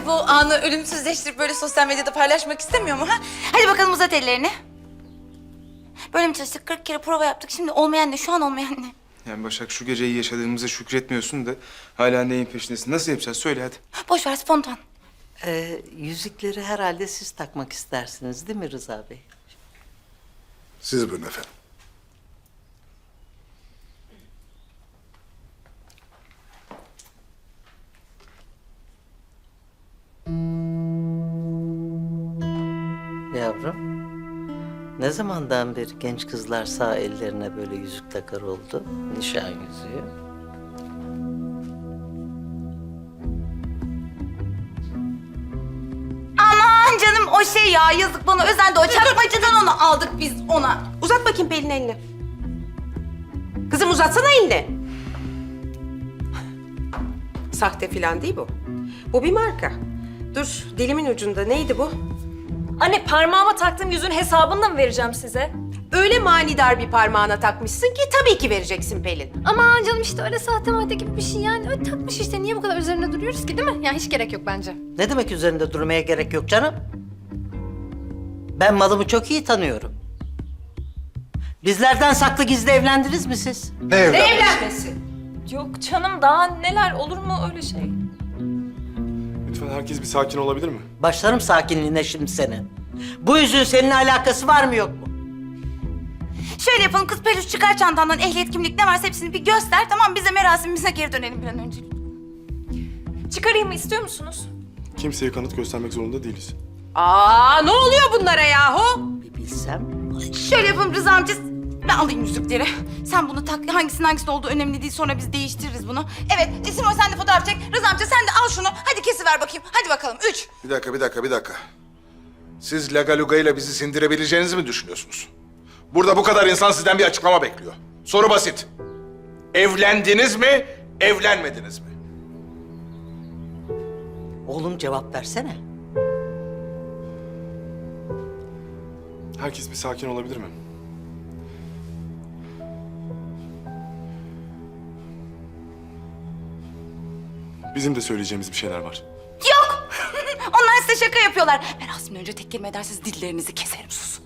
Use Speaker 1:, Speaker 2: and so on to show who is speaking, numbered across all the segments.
Speaker 1: bu anı ölümsüzleştirip böyle sosyal medyada paylaşmak istemiyor mu ha? Hadi bakalım uzat ellerini. Böyle mi çalıştık? 40 kere prova yaptık. Şimdi olmayan ne? Şu an olmayan ne?
Speaker 2: Yani Başak şu geceyi yaşadığımıza şükretmiyorsun da hala neyin peşindesin? Nasıl yapacağız? Söyle hadi.
Speaker 1: Boş ver, spontan.
Speaker 3: Yüzükleri herhalde siz takmak istersiniz değil mi Rıza Bey?
Speaker 4: Siz buyurun efendim.
Speaker 3: Yavrum, ne zamandan beri genç kızlar sağ ellerine böyle yüzük takar oldu? Nişan yüzüğü.
Speaker 1: Aman canım o şey ya, yazık bana özendi. O çakmacıdan onu aldık biz ona.
Speaker 5: Uzat bakayım Pelin elini. Kızım uzatsana elini. Sahte falan değil bu. Bu bir marka. Dur dilimin ucunda neydi bu?
Speaker 6: Anne parmağıma taktığım yüzüğün hesabını da mı vereceğim size?
Speaker 5: Öyle manidar bir parmağına takmışsın ki tabii ki vereceksin Pelin.
Speaker 7: Aman canım işte öyle sahte madde gibi bir şey yani. Öyle takmış işte. Niye bu kadar üzerinde duruyoruz ki değil mi? Yani hiç gerek yok bence.
Speaker 3: Ne demek üzerinde durmaya gerek yok canım? Ben malımı çok iyi tanıyorum. Bizlerden saklı gizli evlendiniz mi siz?
Speaker 4: Ne evlenmesi?
Speaker 5: Evlenmesi.
Speaker 6: Yok canım daha neler olur mu öyle şey?
Speaker 2: Lütfen herkes bir sakin olabilir mi?
Speaker 3: Başlarım sakinliğine şimdi senin. Bu yüzüğün seninle alakası var mı yok mu?
Speaker 1: Şöyle yapalım kız, peluş çıkar çantandan, ehliyet, kimlik ne varsa hepsini bir göster. Tamam, bize merasimimize geri dönelim bir an önce.
Speaker 6: Çıkarayım mı istiyor musunuz?
Speaker 2: Kimseye kanıt göstermek zorunda değiliz.
Speaker 5: Aa ne oluyor bunlara yahu?
Speaker 3: Bir bilsem.
Speaker 1: Şöyle yapalım Rıza amca, ben alayım yüzükleri. Sen bunu tak, hangisinin olduğu önemli değil. Sonra biz değiştiririz bunu. Evet, Simoy sen de fotoğraf çek. Rıza amca sen de al şunu. Hadi kesiver bakayım. Hadi bakalım, 3.
Speaker 4: Bir dakika. Siz Lagaluga ile bizi sindirebileceğinizi mi düşünüyorsunuz? Burada bu kadar insan sizden bir açıklama bekliyor. Soru basit. Evlendiniz mi, evlenmediniz mi?
Speaker 3: Oğlum cevap versene.
Speaker 2: Herkes bir sakin olabilir mi? Bizim de söyleyeceğimiz bir şeyler var.
Speaker 1: Yok! Onlar size şaka yapıyorlar. Merasimden önce tek kelime ederseniz dillerinizi keserim, sus.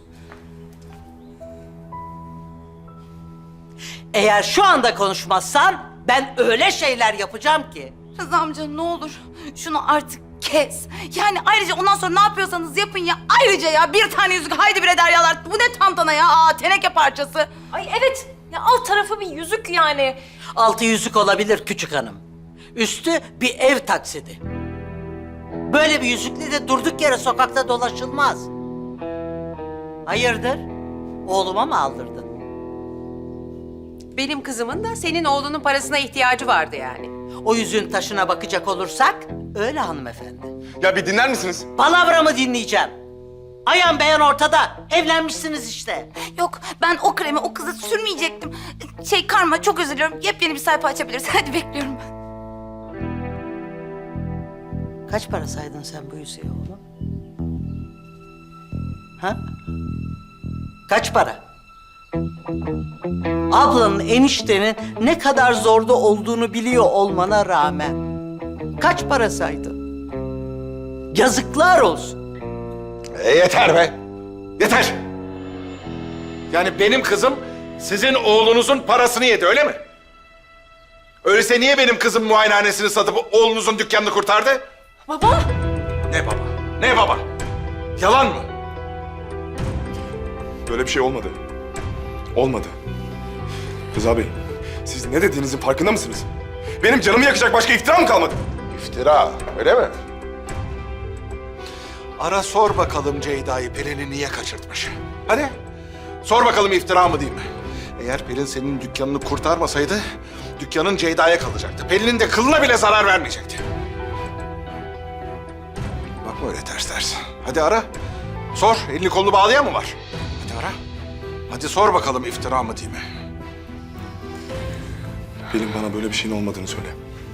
Speaker 3: Eğer şu anda konuşmazsan ben öyle şeyler yapacağım ki.
Speaker 1: Rıza amca ne olur şunu artık kes. Yani ayrıca ondan sonra ne yapıyorsanız yapın ya. Ayrıca ya bir tane yüzük haydi bre deryalar. Bu ne tantana ya? Aa, teneke parçası.
Speaker 6: Ay evet ya alt tarafı bir yüzük yani.
Speaker 3: Altı yüzük olabilir küçük hanım. Üstü bir ev taksidi. Böyle bir yüzükle de durduk yere sokakta dolaşılmaz. Hayırdır? Oğluma mı aldırdın?
Speaker 5: Benim kızımın da senin oğlunun parasına ihtiyacı vardı yani.
Speaker 3: O yüzüğün taşına bakacak olursak öyle hanımefendi.
Speaker 2: Ya bir dinler misiniz?
Speaker 3: Palavramı dinleyeceğim. Ayan beyan ortada. Evlenmişsiniz işte.
Speaker 1: Yok ben o kremi o kıza sürmeyecektim. Karma çok özür diliyorum. Yepyeni bir sayfa açabiliriz. Hadi bekliyorum ben.
Speaker 3: Kaç para saydın sen bu yüzüğe oğlum? Ha? Kaç para? Ablanın, eniştenin ne kadar zorda olduğunu biliyor olmana rağmen kaç para saydın? Yazıklar olsun.
Speaker 4: Yeter be! Yeter! Yani benim kızım sizin oğlunuzun parasını yedi, öyle mi? Öyleyse niye benim kızım muayenehanesini satıp oğlunuzun dükkanını kurtardı?
Speaker 6: Baba.
Speaker 4: Ne baba? Ne baba? Yalan mı?
Speaker 2: Böyle bir şey olmadı. Olmadı. Rıza Bey, siz ne dediğinizin farkında mısınız? Benim canımı yakacak başka iftira mı kalmadı?
Speaker 4: İftira, öyle mi? Ara sor bakalım Ceyda'yı Pelin'i niye kaçırtmış. Hadi. Sor bakalım iftira mı değil mi? Eğer Pelin senin dükkanını kurtarmasaydı dükkanın Ceyda'ya kalacaktı. Pelin'in de kılına bile zarar vermeyecekti. Bakma öyle ters ters. Hadi ara. Sor. Elini kolunu bağlayan mı var? Hadi ara. Hadi sor bakalım iftira mı değil mi?
Speaker 2: Pelin bana böyle bir şeyin olmadığını söyle.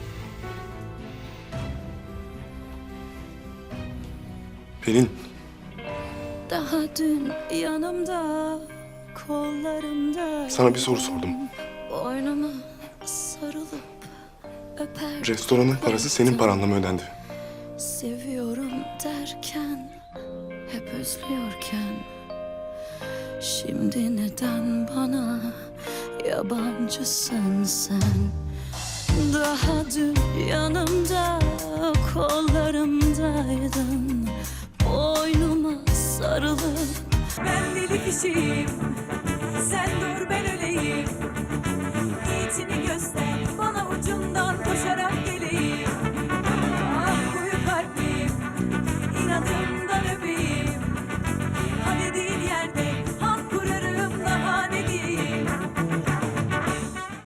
Speaker 2: Pelin.
Speaker 8: Daha dün yanımda, kollarımda.
Speaker 2: Sana bir soru sordum.
Speaker 8: Boynuma sarılıp öper.
Speaker 2: Restoranın parası senin paranla mı ödendi?
Speaker 8: seviyorum derken, hep özlüyorken, şimdi neden bana yabancısın sen? Daha dün yanımda, kollarımdaydın, boynuma sarılıp.
Speaker 9: Ben deli kişiyim, sen dur ben öleyim. İyisini göster.